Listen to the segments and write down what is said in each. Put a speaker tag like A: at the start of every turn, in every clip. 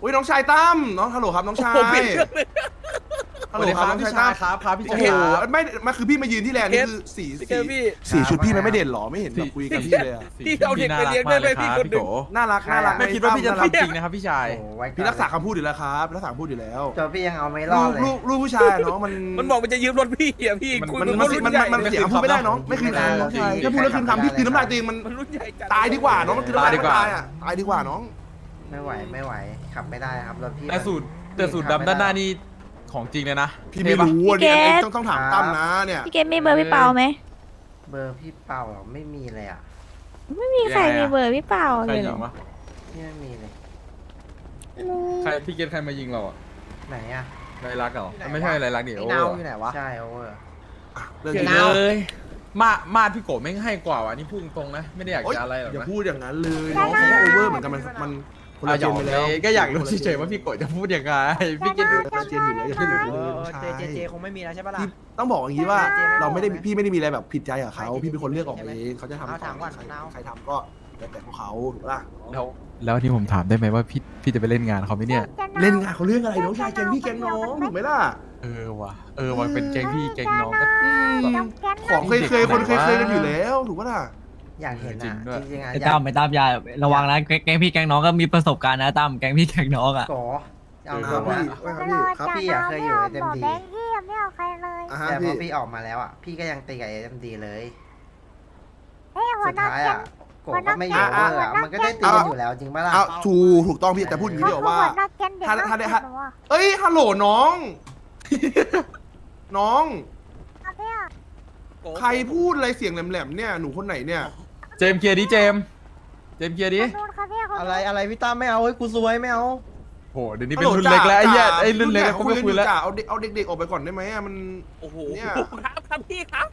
A: อุ้ยน้องชายตั้มน้องฮัลโหลครับน้องชาย
B: ผมเปลี่ยนเครื่องเลย
A: ฮัลโหลครับน้องชายตั้ม
C: ครับพี่
A: โอ้
C: ชาย
A: โห
C: ครับ
A: ไม่มาคือพี่มายืนที่แลนด์นี่คือสีชุดพี่มันไม่เด่นหรอไม่เห็นแบบคุยกับพี่เลยอะ
B: พี่เอาเด็กไปเลี้ยงได้ไหมพี่คนหนึ่ง
A: น่ารักน่ารัก
C: ไม่คิดว่าพี่จะทำจริงนะครับพี่ชาย
D: โอ้ไว้ก่อน
A: พี่รักษาคำพูดอยู่แล้วครับรักษาคำพูดอยู่แล้ว
D: ตัวพี่ยังเอาไม่รอดเลย
A: ลูกผู้ชายเนาะมัน
B: มันบอกมันจะยืมรถพี่อ่ะพี่คุย
A: มัน
B: กับ
A: มัน
B: รุ่น
A: มัน
B: ใหญ่
A: มันเสียคำพูดไม่ได้น้องไม่คืนคำน้องชายถ้าพูดแล้วคืนคำพี่คืนน้ำลายตัวเองมัน
B: มันรุ่นใหญ่จัด
A: ตายดีกว่าน้องมันคืนน้ำลายตายอ่ะตายดีกว่าน้อง
D: ไม่ไหวขับไม่ได้ครับรถพี่
C: แต่สูตรดำด้านหน้านี่ของจริงเลยนะ
A: พี่ไม่รู้อ่ะเนี่ยต้องถามตั้มนะเนี่ย
E: พี่เกมมีเบอร์พี่เปาไหม
D: เบอร์พี่เป่าเหรอไม่มีเลยอ่ะ
E: ไม่มีใครมีเบอร์พี่เปา
C: ใคร
E: เลยเหร
C: ยิ
E: อง
C: วะ
D: พี่ไม่มีเลย
C: ใครพี่เกตใครมายิงเราอ่ะ
D: ไหนอ่ะ
C: ไรลักษณ์เหรอไม่ใช่ไรลักษณ์ดิ
F: ไอ้
C: โอ้
F: เนาอยู่ไหนวะ
D: ใช่โอเวอร์
A: เรื่อง
C: เก
A: นี้
C: เลยมาดพี่โกะไม่งให้กว่าว่ะนี่พูดตรงๆนะไม่ได้อยากจะอะไรหรอก
A: อย่า
C: นะ
A: พูดอย่างนั้นเลยน้องเขาก็โอเวอร์เหมือนกันมันคนละ
C: ห
A: เจ
C: ยอน ก
A: ไป
C: เล
A: แล้ว
C: ยก็อยากรู้เฉยๆว่าพี่โกะจะพูดยังไงพี่เกต
A: คนละเจนอยู่แล้วอย่าพูดอย่างนี้เลยน้องชาย
F: เจคงไม่มีแล้วใช่ปะล่ะ
A: พี่ต้องบอกอย่างนี้ว่าเราไม่ได้พี่ไม่ได้มีอะไรแบบผิดใจกับเขาพี่เป็นคนเลือกออกเองเขาจะทำ
F: เอาถามก่อนเอา
A: ใครทำก็แล้วแต่ของเขาถูกปะล่ะ
C: แล้วที่ผมถามได้ไหมว่าพี่จะไปเล่นงานเขาไหมเนี่ย
A: เล่นงานเขาเรื่องอะไรน้องชายแกงพี่แกงน้องถูกไหมล่ะ
C: เออว่ะเป็นแก๊งพี่แก๊งน้องก็
A: ของเคยคนเคยกันอยู่แล้วถูกปะล่ะ
D: อยากเห็น
C: จริ
D: อ่ะ
C: งด้วย
D: จริงๆอ่ะ
G: ไอ้ตั้มอย่าระวังนะแก๊งพี่แก๊งน้องก็มีประสบการณ์นะตั้มแก๊งพี่แก๊งน้องอ่ะ
D: โกเอา
A: ค
D: ตั
A: รั
D: ว
A: บพี่
D: ครับพี่อ่ะเคยอยู่เอ็มดี
E: แบงค์ที่ยังไม่เอาใครเลย
A: อ่ะฮะ
D: แต่พ
A: พี่
D: อพี่ออกมาแล้วอ่ะพี่ก็ยังตีกับเอ็มดีเลย
E: เฮ้ยหัว
D: สุด
E: หน้า
D: ท้าย
E: แก๊
D: อ่ะ
E: ง
D: โกก็ไม่อยู่โอเวอร์อ่ะมันก็ได้ตีกันอยู่แล้วจริงปะล่ะ
A: เอาถูกต้องพี่แต่พูดอย่างนี้เดี๋ยวว่า
E: หัวหน้าแก๊งเด็ก
A: ถ้าได้
E: น่าเกลียดหนูอะ
A: เอ้ยฮัลโหลน้อง น้อง
E: ครับพี่อะ
A: ใครพูดอะไรเสียงแหลมๆเนี่ยหนูคนไหนเนี่ย
C: เจมส์เคลียร์ดิเจมส์เคลียร์ดิ
E: คนนู้นครับพี่คนนู้น
F: อะไรพี่ตั้มไม่เอาเฮ้ยกูซวยไม่เอา
C: โหเดี๋ยวนี้เป็นรุ่นเล็กแล้วไอ้เหี้ยไอ้รุ่นเล็กเขาไม่คุยแล้ว
A: จ่าเอาเด็กๆออกไปก่อนได้ไหมอะมัน
B: โอ้โห
A: เนี่ย
B: ครับพี่ครับ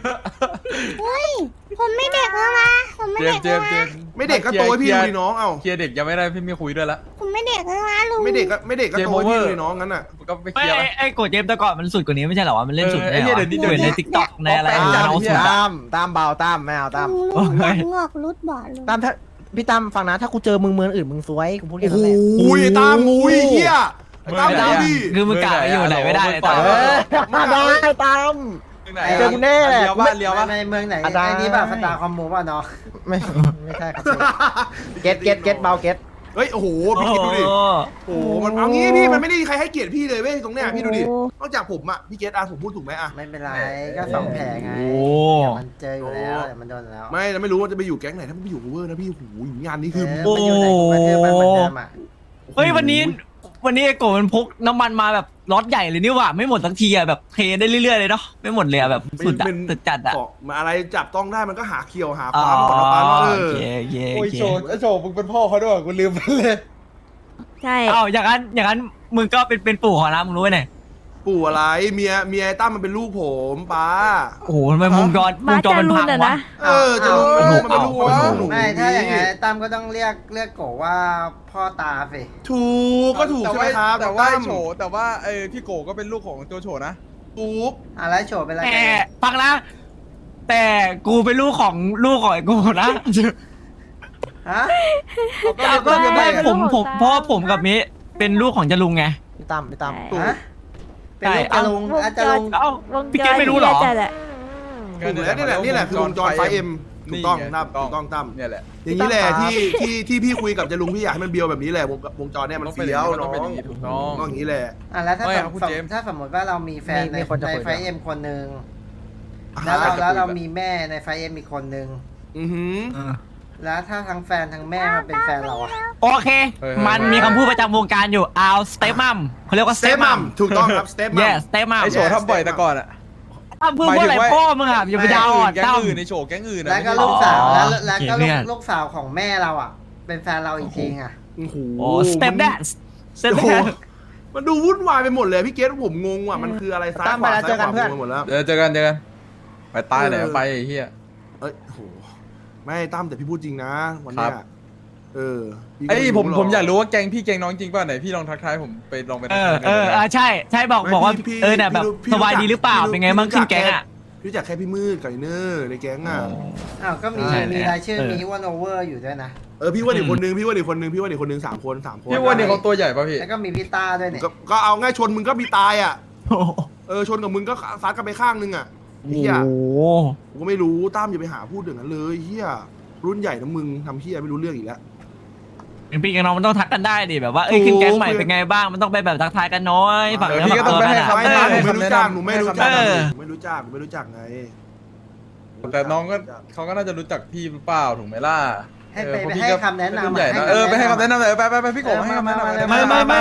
E: ผมไม่เด็กแล้วนะผมไม่
C: เจม
E: เด็ก
C: ส์
A: ไม่เด็กก็โตให้พี่ดูดิน้องเอ้า
C: เคลียร์เด็กยังไม่ได้พี่ไม่คุยด้วยละ
E: ผมไม่เด็กแล้วนะลุง
A: ไม่เด็กก็โตให้พี่ดูดิน้องงั้นอ่ะ
C: ก็ไปเคลียร์ละ
G: ไอ้โกดเจมส์แต่ก่อนมันสุดกว่านี้ไม่ใช่เหรอวะมันเล่นสุด
C: ไอ้เหี้ยเดี๋ยวนี้เดี๋ยวนี้
G: ในทิกตอกในอะไร
C: เอาแป้ง
G: น้องสุดอะ
F: ตั้มเบาตั้มไม่เอาตั้ม
E: ลุงงอกรุดบ่อลุง
F: ตั้มถ้าพี่ตั้มฟังนะถ้ากูเจอมึงเมืองอื่นมึงซวยกูพูดแค่
A: โอ้
F: นั้น
A: โห
F: แหละ
A: ไอ้ตามงูไอ้เหี้ยไอ้ตามดูดิ
G: คือมึงกะอยู่ไหนไม่ได้เลยตั้ม
F: ได้ตั้ม เจอกูแน่
C: เลี้ยวป่ะเลี้ยวป่ะ
D: ในเมืองไหน
F: อ่ะได้
D: ไอ้นี่แบบสตาร์คอมมูป่ะเนาะ
F: ไม่ใช่ครับเก็ตเบาเก็ต
A: เฮ้ยโอ้โหพี่คิดดูดิโอ้โหมันเอางี้พี่มันไม่ได้มีใครให้เกียรติพี่เลยเว้ยตรงเนี้ยพี่ดูดินอกจากผมอ่ะพี่เกตผมพูดถูกไหมอ่ะ
D: ไม่เป็นไรก็สองแผลไง
G: โอ้
D: เดี๋ยวมันเจออยู่แล้วเดี๋ยวมันโดนแล้ว
A: ไม่แล้วไม่รู้ว่าจะไปอยู่แก๊งไหนถ้ามันไปอยู่โอเวอร์นะพี่โอ้โหงานนี้คือ
D: มันอยู่ไหนมันคือมันเหมือนเดิมอ่ะ
G: เฮ้ยวันนี้ไอ้โกดมันพกน้ำมันมาแบบล็อตใหญ่เลยนี่หว่าไม่หมดสักทีอะแบบเทได้เรื่อยๆเลยเนาะไม่หมดเลยอะแบบสุดอะสุดจัดอะ
A: เกาะมาอะไรจับต้องได้มันก็หาเคียวหา
G: อ๋
A: ค
G: อ
A: วามก่อนละปาเนาะ
G: โอเคโอเค
C: โชว์มึงเป็นพ่อเขาด้วยกูลืมไปเลย
E: ใช่
G: อ้าวอย่างนั้นมึงก็เป็นปู่ของนะมึงรู้ไหมเนี่ย
A: ปู่อะไรเมียไอ้ตั้มมันเป็นลูกผมป้า
G: โอ้โหทำไมวงจร
E: บ้า
G: มัน
E: จะ
G: พั
E: รุ่
G: ง
E: นอะ
G: วะ
E: นะ
A: จะรู้มันเป็นลูกวะ
D: ไม่ถ้าอย่างไงตั้มก็ต้องเรียกโกว่าพ่อตาสิ
A: ถูกก็ถูกใช่ไหมครับ
C: แต่ว่า
A: ตั้ม
C: โฉแต่ว่าพี่โกก็เป็นลูกของโจโฉนะ
A: ถูก
D: อะไรโฉบเป็นอะไร
G: แต่ฟังนะแต่กูเป็นลูกของไอ้กูนะ
D: ฮะ
G: ก็ไม่ผมเพราะว่าผมกับมิเป็นลูกของจรุงไง
F: พี่ตั้ม
D: ฮะเป็นลูกจะลุงอาจจะลุง
G: เอ้าว
E: ง
G: พี่เกดไม่รู้เหรอ
E: จัดอะ
A: ถูกแล้วนี่แหละคือวงจรไฟเอ็มถูกต้องนะถูกต้องตั้ม
C: เนี่ยแหละ
A: อย่างนี้แหละที่พี่คุยกับจรุงพี่อยากให้มันเบียวแบบนี้แหละวงจรเนี่ยมันเฟี้ยว
C: ต้
A: น้
C: อ
A: อง
C: เป็นอย่างนี้ถูกต้อง
A: ต้องอย่างนี้แหละ
D: แล้วถ้า
C: ไม่ครับคุณเจมส์
D: ถ้าสมมติว่าเรามีแฟนในไฟเอ็มคนหนึ่ง
A: อ่า
D: แล้วเรามีแม่ในไฟเอ็มอีกคนหนึ่ง
A: อือหือ
D: แล้วถ้าทั้งแฟนทั้งแม่มาเป็นแฟนเราอะ
G: โอเค มันมีคำพูดประจำวงการอยู่เอาสเตปมัมเขาเรียกว่า
A: ส
G: สเต
A: เต
G: ป
A: ป
G: มั
A: มั
G: ม
A: มถูกต้องครับสเตปมัม
G: yes สเตปมัม
C: ไอโฉทำบ่อยแต่ก่อนอะ
G: ตั้มพูดว่าอะไรพ่อมึงอ่ะอย่าไปดาวอ่อน
C: แก๊ง
G: ตั้ม
C: อื่นในโฉแก๊งอื่น
D: แล้วก็ลูกสาวแล้วก็
G: โอเคเนี่ย
D: ลูกสาวของแม่เราอะเป็นแฟนเราอีกทีอะ
A: โอ้โห
G: โอ้สเตปแดนซ์สเตป
A: โอ้
G: แด
A: โห
G: นซ์
A: มันดูวุ่นวายไปหมดเลยพี่เกตผมงงว่ะมันคืออะไรซ้ายขวาซ้ายขวางงหมดแล้ว
C: เจอกันไปใต้ไหนไปไอ้เหี้ย
A: เอ้ยโหไม่ตั้มแต่พี่พูดจริงนะวันเนี้ย
C: ครับ
A: พี่ก็
C: ไอ้
A: ไม่
C: ผม
A: หร
C: ผมอยากรู้ว่าแกงพี่แกงน้องจริงป่ะไหนพี่ลองทักทายผมไปลองไป
G: ใช่บอกว่าเนี่ยแบบสบายดีหรือเปล่าเป็นไงบ้างขึ้นแก๊งอ่ะ
A: พี่รู้จักแค่พี่มืดกับไอ้เนอร์ในแก๊งอ่ะ
D: อ้าวก็มี
G: ใช่
D: มีรายชื่อ
G: เออ
D: มีวันโอเวอร์อยู่ด้วยนะ
A: พี่ว่าอีกคนนึงพี่ว่าอีกคนนึงพี่ว่าอีกคนนึง3 คน3 คน
C: พี่วันนี้เขาตัวใหญ่ป่ะพี่
D: แล้วก็มีพี่ต้าด้วยเนี่ย
A: ก็เอาง่ายชนมึงก็มีตายอ่ะชนกับมึงก็ซัดกันไปข้างนึงอ่ะ
G: โอ้
A: เฮีย
G: โห
A: กูก็ไม่รู้ตั้มอย่าไปหาพูดอย่างนั้นเลยเฮียรุ่นใหญ่นะมึงทำเฮียไม่รู้เรื่องอีกแล้ว
G: เป็นพี่กับน้องมันต้องทักกันได้ดิแบบว่าขึ้นแก๊งใหม่เป็นไงบ้างมันต้องไปแบบทักทายกันน้อยฝั่ง
C: พี่ก็ต้องไปให้
G: ฝั่
C: คำแนะนำ
A: หนูไม่รู้จักหนูไม่รู้จัก
G: เออ
A: หนูไม่รู้จักไง
C: แต่น้องก็เขาก็น่าจะรู้จักพี่หรือเปล่าถูกไหมล่ะ
D: ให้ไป
C: เพราะ
D: ให้
C: พี่ก็
D: คำแนะนำ
C: รุ่ใหญ่นะไปให้คำแนะนำเลยไปพี่โกให้คำแนะนำ
G: ไม่
C: ไม่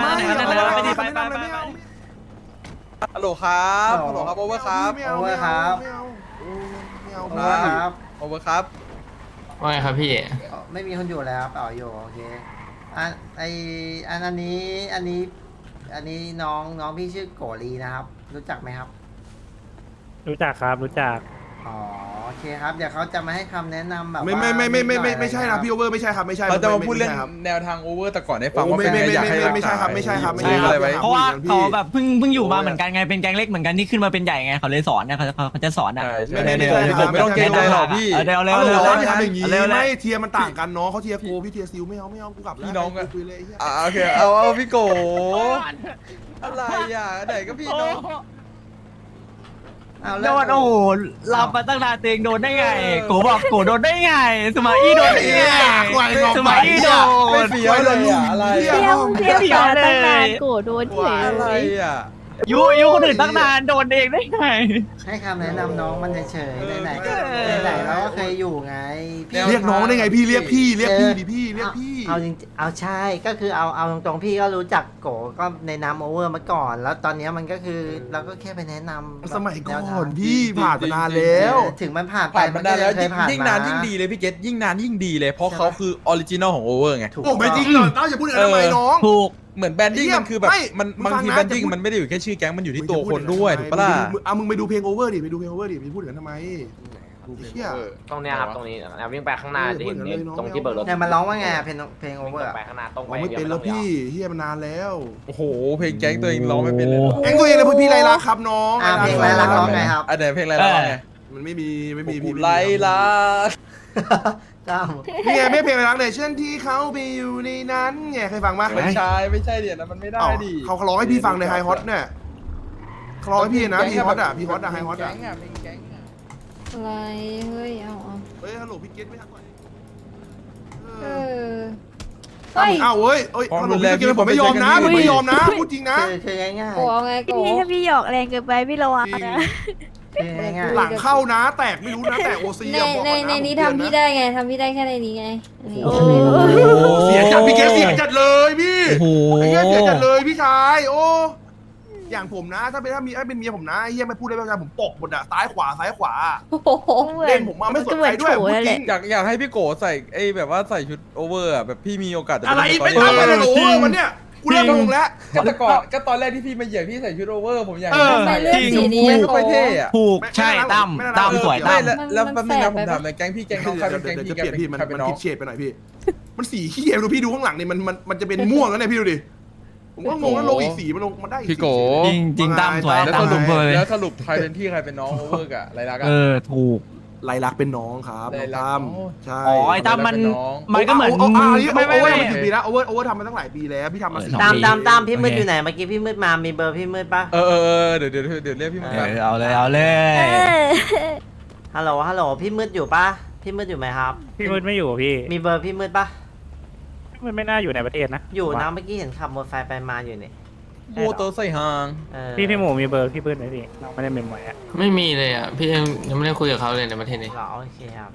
C: ฮัลโหลครับโอเวอร์ครับ
A: ไม่เอาไม่เอาไม่เอา
D: โอเวอร์ครับ
C: โอเวอร์ครับ
H: ว่าไงครับพี่
D: ไม่มีคนอยู่แล้วต่ออยู่โอเคอันนี้น้องพี่ชื่อโกลีนะครับ รู้จักไหมครับ
H: รู้จักครับรู้จัก
D: อ๋อโอเคครับเดี๋ยวเขาจะมาให้คำแนะนำแบบ
A: ไม่ใช่นะพี่โอเวอร์ไม่ใช่ครับไม่ใช่
C: เราจะมาพูดเรื่องแนวทางโอเวอร์แต่ก่อนให้ฟังว่า
A: ไม่ใช่ครับ
G: เพราะว่าเขาแบบเพิ่งอยู่มาเหมือนกันไงเป็นแก๊งเล็กเหมือนกันที่ขึ้นมาเป็นใหญ่ไงเขาเลยสอนเนี่ยเขาจะสอนอ่ะ
C: ไม่ต้องเกรงใจหรอกพี่
G: เร็ว
A: เร็
G: เร็
A: ว
G: ว
A: เร็
G: เร็
A: ว
G: ว
A: ทำอย่างนี้
G: เร็ว
A: ไม่เทียมันต่างกันน้องเขาเทียโกพี่เทียซิลไม่เอากูกลับแล้ว
C: พี่น้องกัน
A: คุยเลย
C: โอเคเอาพี่โกอะไรอ่ะไหนก็พี่น้อง
D: เอา
G: โด
D: แล้ว
G: นโอ้โหรับมาตั้งนานเตงโดนได้ไงโกบอกโกโดนได้ไงสมาอี้โดนได้ไงสมาอี้โด
C: ไม่
G: น
C: เฟี้ยวเลยอ่ะอะไร
E: เที่ยวเที่ยว
G: เที่ยว
E: มา
G: เลย
E: ตั้งนานโกรธโดนเฉย
C: อะไร
E: เลย
C: อ่ะ
G: ยุคนอื่นตั้งนานโดนเองได้ไง
D: ให้คำแนะนำน้องมันเฉยๆไหนๆเราก็เคยอยู่ไงพี่
A: เรียกน้องได้ไงพี่เรียกพี่ดิพี่เรียกพี่
D: เอาจริงเอาใช่ก็คือเอาตรงๆพี่ก็รู้จักโกก็ในนามโอเวอร์มาก่อน แล้วตอนนี้มันก็คือเราก็แค่ไปแนะนำ
A: สมัยก่
D: แว
A: อ
D: ทาง
A: นพี่ผ่านมานานแล้ว
D: ถึงมันผ่านไป
C: ผ่านมานานแล้ว
D: เคยผ่าน
C: ยิ่งนานยิ่งดีเลยพี่เกตยิ่งนานยิ่งดีเลยเพราะเขาคือออริจินอลของโอเวอร์ไง
D: ถูก
A: โอ้ไม่จริงเหรอต้าอย่าพูดอย่างนั้นทำไมน้อง
G: ถูก
C: เหมือนแบรนดิ้งมันคือแบบ
A: ไม่
C: มัน
A: มึง
C: บาง
A: ฟัง
C: ที
A: นะ
C: แบรนดิ้ง
A: จะพูด
C: มันไม่ได้อยู่แค่ชื่อแก๊งมันอยู่ที่ตัวคนด้วยถูกปะล่ะ
A: มึงไปดูเพลงโอเวอร์ดิไปดูเพลงโอเวอร์ดิไปพูดอย่างนั้นทำไมเฮีย
H: ตรงเนี้ยครับตรงนี้วิ่งไปข้างหน้าจะเห็น
A: เออเออ
H: ตรงที่เบิกรถ
D: เนี่ยมันร้องว่าไงเพลงโอ
H: วิ่ง
D: เวอร์
H: ไปข้างหน้าตรงไป
A: ร้องไม่เป็นแล้วพี่เฮียมันนานแล้ว
C: โอ้โหเพลงแก๊งตัวเองร้องไม่เป็นเลยเหรอ
A: เอ็งตัวเองเลยพี่ไรลักครับน้อง
D: เพลงอะไรรักร้องไงครับ
C: อันไหนเพลงอะไรร้องไง
A: มันไม่มีพี่
C: ไลลัก
D: จ้า
A: นี่ไงไม่เพลงไรลักเลยเช่นที่เขาไปอยู่ในนั้นไงเคยฟังปะ
C: ไม่ใช่เดี๋ยวนะมันไม่ได้ดิ
A: เขาร้องให้พี่ฟังในไฮฮอตเนี่ยเขาร้องให้พี่นะพี่ฮอตอ่ะไฮฮอตอ่ะ
C: เพลงแก๊งอะ
I: อะไรเฮ้ยเอา
A: เฮ้ยฮัลโหลพี่เกตไม่ทักก่อน
I: เออเฮ้ย
A: อ้าวเว้ยฮัลโหลพี่เกตผมไม่ยอมนะผมไม่ยอมนะพูดจริงนะ
D: คือง่าย
I: โกเอาไงโก
E: พี่ถ้าพี่หยอกแรงเกินไปพี่ระวังนะ
D: ๆคือง่าย
A: หลังเข้านะแตกไม่รู้นะแตกโอซี
I: ในนี้ทำพี่ได้ไงทำพี่ได้แค่ในนี้ไงอันนี้
E: โอ้
A: เสียจัดพี่เกตเสียจัดเลยพี่
G: โอ้โห
A: ไอ้เหี้ยเสียจัดเลยพี่ชายโอ้อย่างผมนะถ้าเป็นเมียผมนะไอ้เหี้ยไม่พูดได้ไม่ผมตกหมดอะซ้ายขวา
I: โอ้โห
A: เล่นผมมาไม่สนใจด้วยพูดจริง
C: อยากให้พี่โกใส่ไอ้แบบว่าใส่ชุดโอเวอร์อะแบบพี่มีโอกาสจะ
A: อะไร
C: ด้
A: ไม่
C: ตอน
A: ทำอะไร
C: นี้
A: โอ้วันเนี้ยกูเริ่มงงแล้ว
C: ก็ตอนแรกที่พี่มาเหยียบพี่ใส่ชุดโอเวอร์ผมอยาก
I: ทำไมเลือกสีนี้
C: ไม่ค่อยเท่อะ
G: ถูกใช่ตั้มสวยตั้ม
C: แล้วแป๊บนึงนะผมถามเลยแก๊งพี่แก๊งน้องใครเป็นแก๊ง
A: เดี๋ยว
C: พี่
A: จะเปลี่ยนพี่มัน
C: ใครเป็นน้อง
A: ผิดเฉดไปหน่อยพี่ มันสีขี้ดูพี่ดูข้างหลังนี่มันจะเป็นม่วงแล้วเนี่ยพี่ดูดิผมก็งงแล้วลงอีกสีมันลงมาได้
C: พี่โก
G: จริงตั้มสวย
C: แล้ว
G: ตั้
C: ส
G: ม
C: รุป
G: สวย
C: แล้วสรุปใครเป็นพี่ใครเป็นน้องโอเวอร์กะไรลักอะ
G: ถูก
A: ไรลักเป็นน้องครับน้องตั้มใช่
G: อ๋อไอ้ตั้มมันก็เหมือน
A: โอเวอร์
G: ไม่
A: มันกี่ปีแล้วโอเวอร์ทำมาตั้งหลายปีแล้วพี่ทำมา
D: ๆตามพี่มืดอยู่ไหนเมื่อกี้พี่มืดมามีเบอร์พี่มืดปะ
C: เดี๋ยวเรียกพี่มา
G: เอาเลย
D: ฮัลโหลพี่มืดอยู่ปะพี่มืดอยู่ไหมครับ
H: พี่มืดไม่อยู่พี่
D: มีเบอร์พี่มืดปะ
H: มันไม่น่าอยู่ในประเทศนะ
D: อยู่นะเมื่อกี้เห็นขับมอเตอร์ไซค์ไปมาอยู่นี่
C: โมโตใส่หาง
H: พี่หมูมีเบอร์พี่มืดไหมพี่เราไม่ได้เมมไว้อะ
F: ไม่มีเลยอ่ะ พี่ยังไม่ได้คุยกับเขาเลยในประเทศนี้
D: เหรอโอเคครับ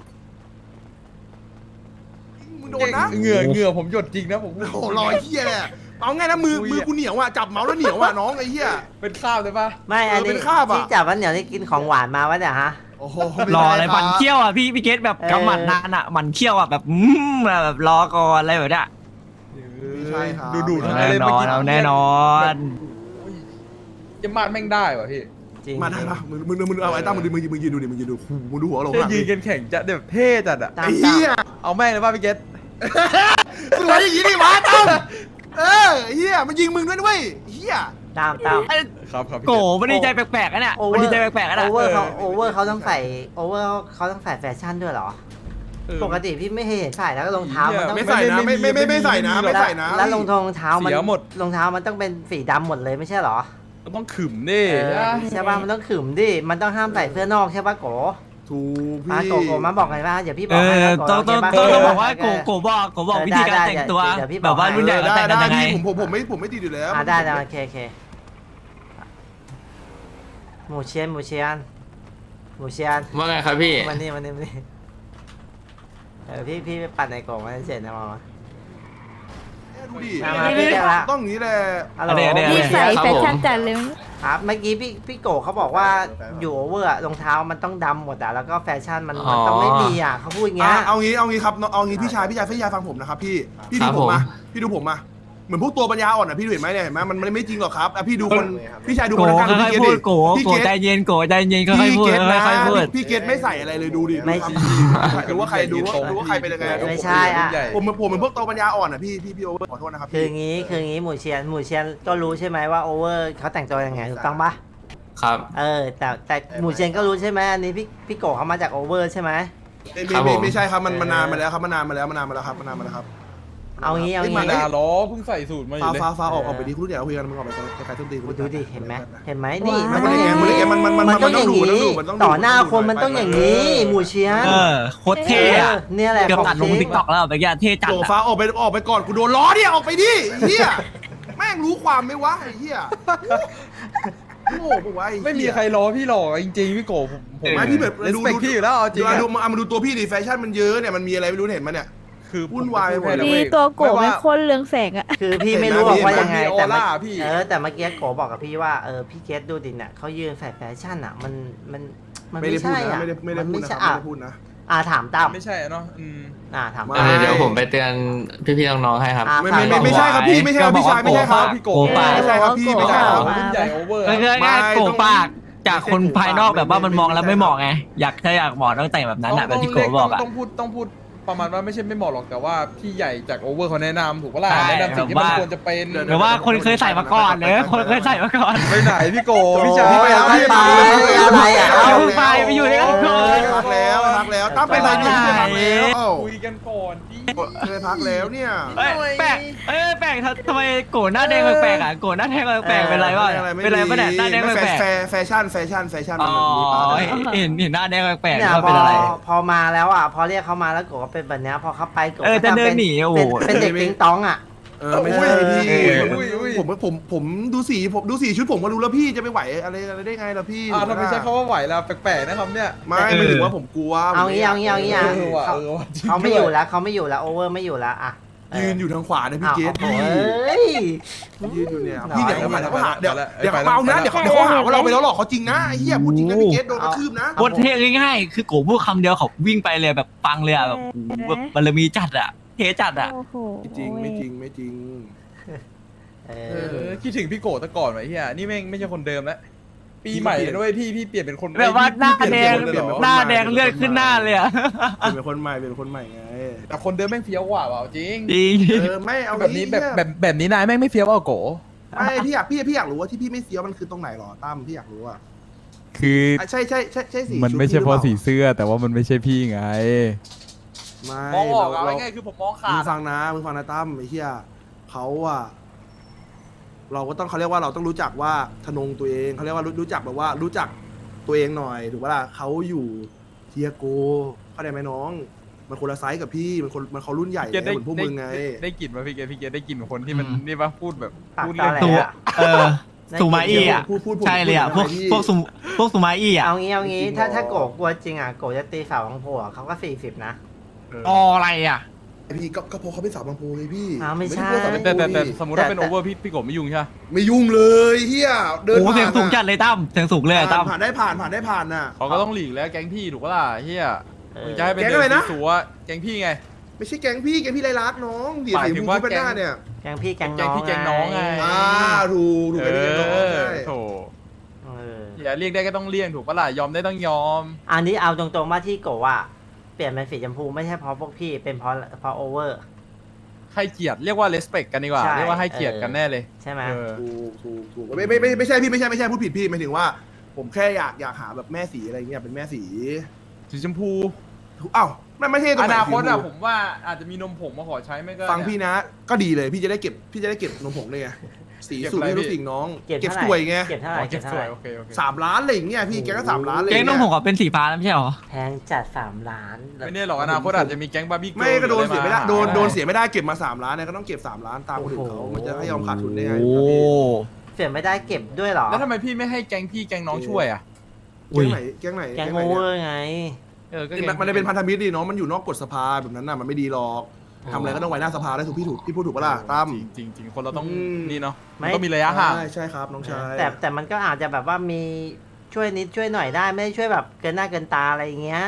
A: มึงโดนนะ
C: เหงื่อผมหยดจริงนะผม
A: โอ้รอยเหี้ยเอาง่ายนะมือกูเหนียวอ่ะจับเมาส์แล้วเหนียวอ่ะน้องไอ้เหี้ย
C: เป็นข้าวเลยปะ
D: ไม่อัน
A: เป็
D: นี้
A: นคราบอะ
D: ที่จับวันเหนียวนี่กินของหวานมาวะเนี่ยฮะ
A: โอ้โห
G: รออะไรมันเคี้ยวอ่ะพี่เกตแบบกำหมัดนานอ่ะมันเคี้ยวอ่ะแบบแบบรอก่อนอะไรแบบเนี้ย
A: ใช่ครับ
C: ดูทั้งนั้น
G: แน่
C: เลย
G: น
C: เมื่
G: อ
C: อน กี้
G: เอาแน่นอน
C: จะมาดแม่งได้วะพี่
D: จริง
A: มาได้ปะมึงเอาไอ้ตั้มมึงยืนดูดิมึงยืนดูมึงดูหัวลง
C: จะ
A: หลัง
C: ยืนกันแข่งจะแบบเท่จัดอะ
D: ตาม
A: ไอ้เหี้ย
C: เอาแม่งเลยป่ะพี่เกต
A: สวยอย่างนี้ดิวะตั้มเหี้ยมันยิงมึงด้วยเหี้ย
D: ตาม
C: ครับ
G: โกมันดีใจแปลกๆอ่ะเนี่ยมันดีใจแปลกๆอ่ะ
D: โอ
G: นะ
D: เวอร์เขาต้องใส่แฟชั่นด้วยเหรอปกติพี่ไม่เห็นใส่แล้วก็รองเท้ามันต้อง
A: ไม่ใส่นะไม่ใส่นะไม่ใส่นะ
D: แล้วรองเท้ามัน
C: เสียหมด
D: รองเท้ามันต้องเป็นสีดำหมดเลยไม่ใช่เหรอ
C: ต้องขึมดิ
D: ใช่ป่ะมันต้องขึมดิมันต้องห้ามใส่เสื้อนอกใช่ป่ะโก
A: ถูก
D: มา
A: พี่
D: โกมาบอกไงว่าเดี๋ยวพี่บ
G: เอ
D: อกให้
G: อ
D: นะโก
G: ต้อง
D: โเคปะ
G: บอกว่าโกบอกวิธีการแต่งตัว
D: เดี๋ยวพี่บ
G: แบอก บว่ารุ่นใหญ่เขา
A: ได้
G: แต่งกันยังไง
A: พี่ผมไม่ติดอยู่แล้ว
D: ได้โอเคหมูเชียน
J: ว่าไงครับพี่
D: วันนี้พี่ไปปั่นไอโกมาเสร็จนะมา
A: ดูดิ
D: มาพี่เรียกละ
A: ต้องอย่างนี้แหละ
D: ฮัลโหล
E: นี่ใส่แฟชั่นจัดเลย
D: ครับเมื่อกี้พี่โกเขาบอกว่าอยู่โอเวอร์รองเท้ามันต้องดำหมดอ่ะแล้วก็แฟชั่นมันต้องไม่มีอ่ะเขาพูดอย่างเงี้ย
A: เอางี้ครับเอางี้พี่ชายฟังผมนะครับพี่ดูผมมาพี่ดูผมมาเหมือนพวกตัวปัญญาอ่อนอ่ะพี่ดูเห็นไหมเนี่ยเห็นไหมมันไม่จริงหรอกครับพี่ดูคนพี่ชายดู
G: โก
A: คนกลาง
G: ค่
A: พี่
G: อย
A: เก
G: ๆ
A: ต
G: พู
A: ดิ
G: ดโกใจเย็นค่อยๆพูด
A: พี่เกตนะ
G: ค่อยๆพูด
A: พี่เกตไม่ใส่อะไรเลยดูดิดูว่าใครดูว่าใครเป็นยังไง
D: ไม่ใช่อ่ะ
A: ผมเหมือนพวกตัวปัญญาอ่อนอ่ะพี่โอเวอร์ขอโทษนะครับ
D: คืองี้หมูเชียนก็รู้ใช่ไหมว่าโอเวอร์เขาแต่งตัวยังไงถูกต้องปะ
J: ครับ
D: แต่หมูเชียนก็รู้ใช่ไหมอันนี้พี่โกเขามาจากโอเวอร์ใช่ไหม
A: ไม่ใช่ครับมันนานมาแล้วครับมันนานมาแล้วครับ
D: เอางี้
C: มาดาล้อเพิ่งใส่สูตรมาอยู่เลย
A: ฟ้าออกไปดิคุณเดี๋ยวคุยกันมึงออกไปไกลๆต้นตี
D: ดูดิเห็นไหมนี่
A: มั
D: มัน นต้องอย่างนี้
A: มัน
D: ต้องอย่างนี้
A: มันต้องดู
D: ต่อหน้าคนมันต้องอย่างนี้หมูเชียน
G: โคตรเท่อะ
D: เนี่ยแหละ
G: เกือบตัดลงติ๊กต็อกแล้วไปแกเท่จัด
A: โจฟ้าออกไปก่อนกูโดนล้อเนี่ยออกไปดิเฮียแม่งรู้ความไหมวะไอ้เฮียโง่ปะวะ
C: ไม่มีใครล้อพี่หรอกจริงๆพี่โกผม
A: ไม่พี่แบบ
C: ดูพี่อยู่แล้วเอาจริง
A: มาดูตัวพี่ดิแฟชั่นมันเยอะเนี่ยมันมีอะไรไม่รู้เห็นมั้ยเนี่ย
C: คือ
A: วุ่นวายไปหมด
E: นี่ตัวโกเป็นคนเรืองแสงอะ
D: คือพี่ไม่รู้ว่ายังไงแต่
C: พี่
D: แต่เมื่อกี้โกบอกกับพี่ว่าพี่เกตดูดิเนี่ยเขายืนแฟชั่นอ่ะมัน
A: ไม่ได้พูด
D: ใช่
A: นะ
D: อ่ะ
A: ไม่ได้พูดนะ
D: ใช่
A: ไม่ได้พูดนะ
D: ถามตั้ม
C: ไม่ใช่เนาะ
D: ถาม
J: เดี๋ยวผมไปเตือนพี่ๆน้องๆให้ครับ
A: ไม่ใช่ครับพี่ไม่ใช่ครับพี่ชายไม่ใช่ครับ
C: พี่โก
A: ไม่ใช่ครับพี่ไม่ใช่ครับ
C: รุ่นใหญ่โอเวอร์
G: ก็คือง่ายๆโกปากจากคนภายนอกแบบว่ามันมองแล้วไม่เหมาะไงอยากเหมาะต้องแต่งแบบนั้นอะแบบที่โกบอกอะ
C: ต้องพูดประมาณว่าไม่ใช่ไม่เหมาะหรอกแต่ว่าพี่ใหญ่จากโอเวอร์เขาแนะนำถูกปะล่ะแนะนำสิ่งที่มันควรจะเป็น
G: หรือว่าคนเคยใส่มาก่อนหรือคนเคยใส่มาก่อน
C: ไปไหนพี่โกพี่ชาย
A: ไปแล้ว
D: อะไรอ่ะ
G: ไปอยู่ด้วยกันก่อน
A: พักแล้วตั้มไปไหนเนี่ยพักแล้ว
C: คุยกันก่อนพี่
A: เคยพักแล้วเนี่ย
G: แปลกแปลกทำไมโกหน้าแดงแปลกอ่ะโกหน้าแดงแปลกเป็นไรวะเป็นไรปะเนี่ยหน้าแดงแปลก
A: แฟชั่น
G: อ๋อ
A: มันแบบนี้
G: เห็นหน้าแดงแปลก
D: เนี่ย
G: ว่าเป็นอะไร
D: พอมาแล้วอ่ะพอเรียกเขามาแล้วโกก็เป็นแบบนี้พอเขาไปโก
G: จะเดินหนีโอ้โห
D: เป็นเด็กติงตองอ่ะ
A: ไม่ใช่พี่ผมดูสีชุดผมก็รู้แล้วพี่จะไม่ไหวอะไรได้ไงล่ะพี่
C: ทำไมใช้คำว่าไหวล่ะแปลกๆนะครับเนี่ย
A: ไม่ถึงว่าผมกลัว
D: เอางี้เขาไม่อยู่แล้วโอเวอร์ไม่อยู่แล้วอ่ะ
A: ยืนอยู่ทางขวานะพี่เกต
D: โอ้ย
A: ยืนอยู่เนี่ยพี่เดี๋ยวเขาหาเดี๋ยวเขาเอานะเดี๋ยวเขาหาว่าเราไปแล้วหลอกเขาจริงนะไอ้เหี้ยพูดจริงนะพี่เกตโดนกระทืบนะ
G: บทเท่ง่ายๆคือโกพูดคำเดียวเขาวิ่งไปเลยแบบฟังเลยอ่ะแบบบารมีจัดอ่ะเทจัดอ่ะ
E: โอ้โห
A: ไม่จริง
C: คิดถึงพี่โกตะก่อนไว้เฮียนี่แม่งไม่ใช่คนเดิมแล้วปีใหม่ด้วยพี่เปลี่ยนเป็นคน
G: แบบว่าหน้าแดงเลือดขึ้นหน้าเลยอ่ะ
A: เป็นคนใหม่ไง
C: แต่คนเดิมแม่งเฟี้ยวกว่าจริง
G: จริง
A: ไม่เอา
C: แบบนี้แบบนี้นายแม่งไม่เฟี้ยวเอาโก
A: ไม่พี่อยากรู้ว่าที่พี่ไม่เสียวมันคือตรงไหนหรอตั้มพี่อยากรู้อ่ะ
K: คือ
A: ใช่สี
K: มันไม่ใช่เพราะสีเสื้อ แต่ว่ามันไม่ใช่พี่ไง
C: มองออกเอาง่ายๆคือผมมองขา
A: มึง
C: ด
A: ฟังนะตั้มไอ้เหี้ยเขาอะเราก็ต้องเขาเรียกว่าเราต้องรู้จักว่าทนงตัวเองเขาเรียกว่ารู้จักแบบว่ารู้จักตัวเองหน่อยถูกปะล่ะเขาอยู่เทียโกเข้าใจไหมน้องมันคนละไซส์กับพี่มันเขารุ่นใหญ่เหมือนพวกมึงไง
C: ได้กลิ่นมาพี่เกดได้กลิ่นคนที่มันนี่ปะพูดแบบ
D: ปาก
C: พูด
D: ตา
C: เรื่อง
D: แหล
G: ตัวสุมาอี้อ่ะ
A: พูด
G: ใช่เลยอ่ะพวกสุมาอี้อ่ะ
D: เอางี้ถ้าโกกลัวจริงอ่ะโกจะตีสาวของผัวเขาก็40นะ
G: อะไรอ่ะ
A: พี่ก็เพราะเขาเป็นสาวบางโพไงพี่
D: ไม่ใช่
C: แต่สมมติว่าเป็นโอเวอร์พี่โกไม่ยุ่งใช่ไหม
A: ไม่ยุ่งเลยเฮียเดิน
G: โอ้เสียงสูงจัดเลยตั้มเสียงสูงเลยตั้ม
A: ผ่านน่ะ
C: เขาก็ต้องหลีกแล้วแก๊งพี่ถูกปะล่ะเฮียมึงจะให้เป็น
A: แก๊งอะไรนะ
C: สัวแก๊งพี่ไง
A: ไม่ใช่แก๊งพี่ไรลักน้องเดี๋ยว
C: หมายถึงว่า
A: เป็นหน้าเนี่ย
D: แกงพี่แกง
C: แก๊
D: น้
C: ง
D: อง
C: พี่แก๊งน้องไง
A: ถูกไปเป็นน้องใช่
C: โถอย่าเรียกได้ก็ต้องเรียกถูกปะล่ะยอมได้ต้องยอม
D: อันนี้เอาตรงๆว่าที่โกอ่ะเปลี่ยนเป็นสีชมพูไม่ใช่เพราะพวกพี่เป็นเพราะโอเวอร์
C: ให้เกียรติเรียกว่า respect กันดีกว่า
D: ใช่
C: เรียกว่าให้เกียรติกันแน่เลย
D: ใช่ไหม
A: ถูกไม่ใช่พี่ไม่ใช่พูดผิดพี่หมายถึงว่า ผมแค่อยากหาแบบแม่สีอะไรเงี้ยเป็นแม่สี
C: สีชมพู
A: อ้าวไม่ใช่ตรง
C: อ
A: ไหน
C: นาคตอะ
A: สีช
C: ผม มว่าอาจจะมีนมผงมาขอใช้ไม่ก็
A: ฟังพี่นะ ก็ดีเลยพี่จะได้เก็บนมผงเลยไงสีสูตรให้ทุกสิ่งน้องเก็บสวยไง
D: เก็บเท่าไหร่
C: เก็
D: เก็
C: บบ ส
D: เท่า
C: วย
D: ไหร่
C: โอเคโอเค
A: 3 ล้านอะไรอย่างเงี้ยพี่แกก็3 ล้านเลย
G: แก๊งน้องผมก็เป็นสีฟ้าแล้วไม่ใช่หรอ
D: แพงจัด3 ล้าน
C: ไม่แน่หรอกอนาคตอาจจะมีแก๊งบาร์บี้
A: ไม่ก็โดนเสียไม่ได้
C: า
A: โดนเสียไม่ได้เก็บมา3 ล้านเนี่ยก็ต้องเก็บ3 ล้านตามคนอื่นเขามันจะให้ยอมขาดทุนได้ไง
G: โอ้
D: เสียไม่ได้เก็บด้วยเหรอ
C: แล้วทำไมพี่ไม่ให้แก๊งพี่แก๊งน้องช่วยอะ
A: แก๊งไหนแก๊งไหน
D: แกง
A: ไห
D: โอน เวอ
A: เนี่ย
D: ร์ไง
C: ก็
A: มันจะเป็นพันธมิตรดิน้องมันอยู่นอกกฎสภาแบบนั้นน่ะมันไม่ดีหรอกทำอะไรก็ต้องไว้หน้าสภาได้ถูกพี่พูดถูกปะล่ะตั้ม
C: จริงคนเราต้อง
A: อืม
C: นี่เนาะ
D: ไม่
C: มันต้องมีระยะห่าง
A: ใช่ครับน้องชาย
D: แต่มันก็อาจจะแบบว่ามีช่วยนิดช่วยหน่อยได้ไม่ได้ช่วยแบบเกินหน้าเกินตาอะไรอย่างเงี้ย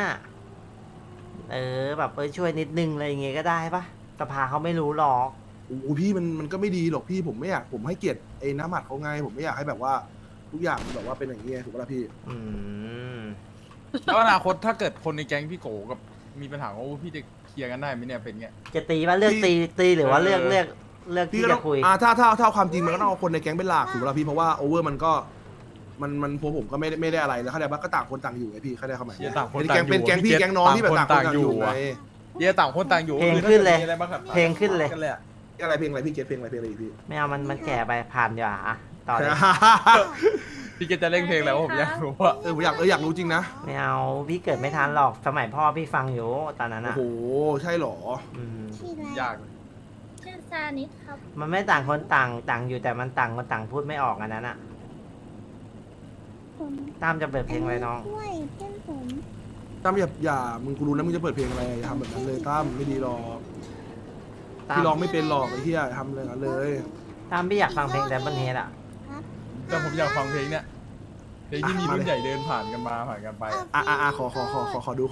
D: แบบช่วยนิดนึงอะไรอย่างเงี้ยก็ได้ปะสภาเขาไม่รู้หรอก
A: โอ้พี่มันก็ไม่ดีหรอกพี่ผมไม่อยากผมให้เกียรติไอ้น้ำหมัดเขาไงผมไม่อยากให้แบบว่าทุกอย่างมันแบบว่าเป็นอย่างเงี้ยถูกปะล่ะพี่
D: อืม
C: แล้วอนาคตถ้าเกิดคนในแก๊งพี่โกกับมีปัญหาว่าพี่จะเคลียร์กันได้ไหมเนี่ยเป็นไง
D: จะตีว่าเลือกตีหรือว่าเลือกที่
A: พี่ก็ต้
D: จะ
A: อง
D: คุย
A: ถ้าความจริงมันก็ต้องเอาคนในแก๊งเป็นหลักถูกปะล่ะพี่เพราะว่าโอเวอร์มันก็มันพวกผมก็ไม่ได้อะไรแล้วเข้าใจปะก็ต่างคนต่างอยู่ไงพี่เข้าใจเข้ามา
C: เชียร์ต่างคน
A: เป็น
C: ต่างอยู่
A: เป็นแก๊งพี่แก๊งน้องที่แบบต่างคนต่างอยู่ไง
C: เดี๋ยวต่างคนต่างอยู่
D: เพลงขึ้นเลย
C: มีอะไรบ้างครับ
D: เพลงขึ้นเลย
C: กันเลยอะ
A: อะไรเพลงอะไรพี่เกตเพลงอะไรอีกพี่
D: ไม่เอามันแก่ไปผ่านดีกว่าอะต่อเลย
C: พี่เกจะเล่นเพลงแล้วผมอยากรู้ว่า
A: ผมอยากรู้จริงนะ
D: ไม่เอาพี่เกิดไม่ทันหรอกสมัยพ่อพี่ฟังอยู่ตอนนั้น
A: โอ้
D: อะ
A: โหใช่หรอ
D: อืม
C: ยากเลย
I: ชื่อซานิดครับ
D: มันไม่ต่างคนต่างอยู่แต่มันต่างคนต่างพูดไม่ออกอันนั้นอะตามจะเปิดเพลงอะไรน้อง
I: ด้วยเพื่อนผม
A: ตั้มอย่ามึงกูรู้นะมึงจะเปิดเพลงอะไรอย่าทำแบบนั้นเลยตั้มไม่ดีหรอก
D: ตาม
A: พี่ร้องไม่เป็นหรอกไอ้เหี้ยอย่าทำเลยนั้นเลย
D: ตามพี่อยากฟังเพลงแต่บันเฮดอะ
C: แต่ผมอยากฟังเพลงเนี่ยเพลงที่มีรุ่นใหญ่เดินผ่านกันมาผ่านกันไป
A: ขอดู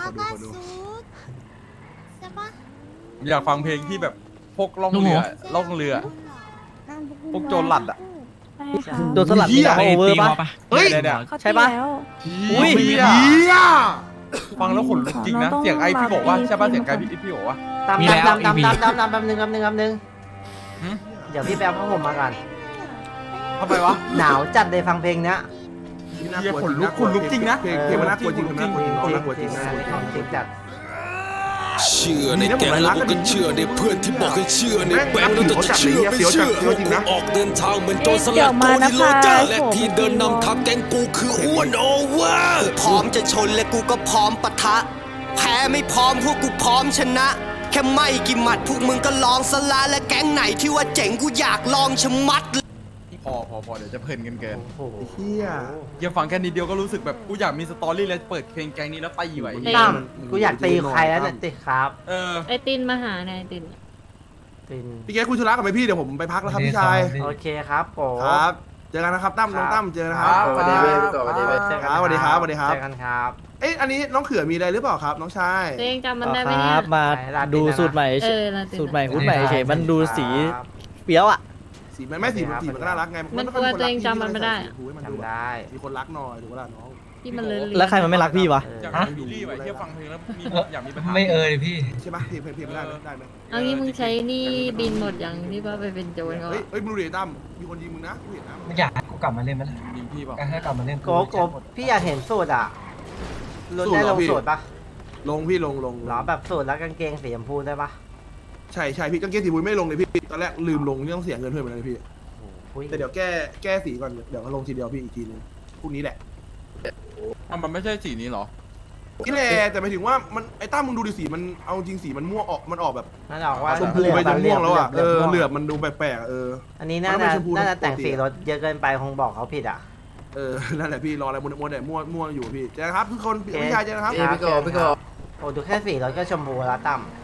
I: ใช่ปะ
C: ผมอยากฟังเพลงที่แบบพกล่องเรือพวกโจรหลัดอะ
F: โดนสลัดมีโอเวอร์ปะ
A: เฮ้ย
C: เนี่ย
E: เขา
F: ใช่ปะ
E: ตีแล้ว
F: อุ้ย
A: เหี้ย
C: ฟังแล้วขนลุกจริงนะ
E: เราต้อง
C: เสียงไอพี่บอกว่า
E: มา
C: ใช่ป่ะ
E: มา
C: เสียงไอพี่บอกว่า
D: ตาม
G: มีแล้ว
D: ตาม
G: EP
D: แป๊บนึง
C: หืม
D: เดี๋ยวพี่แป๊บผ้าห่มมาก่อน
C: ทำไมวะ
D: หนาวจัดเลยฟังเพลงเนี้ย
C: เหี้ยขนลุกจริงนะ
A: เพลงมันน่ากลัวจริงน่ากลัวจริงน้องน่ากลัวจริงน่ากลัวจริง
D: ของจริงจัด
L: เชื่อในแก๊งแล้วกูก็เชื่อในเพื่อนที่บอกให้เชื่อในแบงค์แล้วแต่จะเชื่อไม่เชื่อกูออกเดินทางเหมือนโจรสลัดโกนิโลจาและที่เดินนำทัพแก๊งกูคืออ้วนโอเวอร์พร้อมจะชนและกูก็พร้อมปะทะแพ้ไม่พร้อมพวกกูพร้อมชนะ แค่ไม่กี่หมัดพวกมึงก็ลองสละและแก๊งไหนที่ว่าเจ๋งกูอยากลองชะมัด
C: พอเดี๋ยวจะเพลินกันเกิน
D: โอ้โห
A: เหี้ย
C: เดี๋ยวฟังแค่นิดเดียวก็รู้สึกแบบกูอยากมีสตอรี่แล้วเปิดเพลงแกงนี้แล้วไปอยู่ไอ้
D: ตั้มกูอยากตีใครแล้วเนี่ยตีครับ
C: เออ
I: ไอตินมาหาไงไอติน
D: ติน
A: พี่แกคุยธุระกับไหมพี่เดี๋ยวผมไปพักแล้วครับพี่ชาย
D: โอเคครับโก
A: ครับเจอกันนะครับตั้มน้องตั้มเจอนะครับ
C: สวัสดีเว้ย
A: สวัสดีครับสวัสดีครับสวัสดีครับ
D: เจอกันครับ
A: เอ๊ะอันนี้น้องเขือมีอะไรหรือเปล่าครับน้องชาย
I: ตัวเองจำมันได้ไหม
F: ค
I: เนี่
F: รั
I: ย
F: บมาดูสูตรใหม่
I: ลาติน
F: สูตรใหม่หุ้นใหม่เฉยมันดูสีเปรี้ยวอ่ะ
A: สีมันไม่สีมันก็น่ารักไง
I: มันกลัวตัวเองจำมันไม่ได้อะ
D: จำได้
A: มีคนรักหน่อยถูกปะล่ะน้อง
I: ที่มันเลย
F: แล้วใครมันไม่รักพี่วะ
C: อยากมีบิลลี่ไว้เที่ยวฟังเพลงแล้วมีอยากมีปัญหา
G: ไม่พี่
A: ใช่ปะเพลงไม่ได้ไหม
I: เอางี้มึงใช้หนี่บินหมดอย่างที่ว่าไปเป็นโจรเขา
A: เฮ้ยมึงดูดิตั้มมีคนยิงมึงนะกูเห็นนะ
G: ไม่อยากให้กูกลับมาเล่นมั้ย
C: ยิงพี่เปล่า
G: ให้กลับมาเล่น
D: โกพี่อยากเห็นสูตรอ่ะรถได้ลงสูตรปะ
A: ลงพี่ลง
D: หรอแบบสูตรแล้วกางเกงสีชมพูได้ปะ
A: ใช่พี่กางเกงสีบุ้ยไม่ลงเลยพี่ตอนแรกลืมลงนี่ต้องเสียเงินเพิ่มไปเลยพี่
D: อุ้ย
A: แต่เดี๋ยวแก้สีก่อนเดี๋ยวก็ลงทีเดียวพี่อีกทีนึงพรุ่งนี้แหละ
C: มันไม่ใช่สีนี้หรอ
A: นี่แหละแต่หมายถึงว่ามันไอ้ตั้มมึงดูดิสีมันเอาจริงสีมันม่วงออกมันออกแบบ
D: นั่นออกว่า
A: ชมพูไปจนม่วงแล้วอ่ะ
D: เหลืบ
A: เหลือบมันดูแปลกๆ
D: อันนี้น่า
A: มันไม่
D: จะ
A: ชมพู
D: น่าจะ
A: ปกติ
D: แต่งสีรถเยอะเกินไปคงบอกเขาผิดอ่ะ
A: นั่นแหละพี่รออะไรมัวแต่ม่วงอยู่พี่เจอกันครับทุกคนพี่ชายเจอกันครับ
D: โอ้ดูแค่สีรถก็ชมพูแล้วตั้ม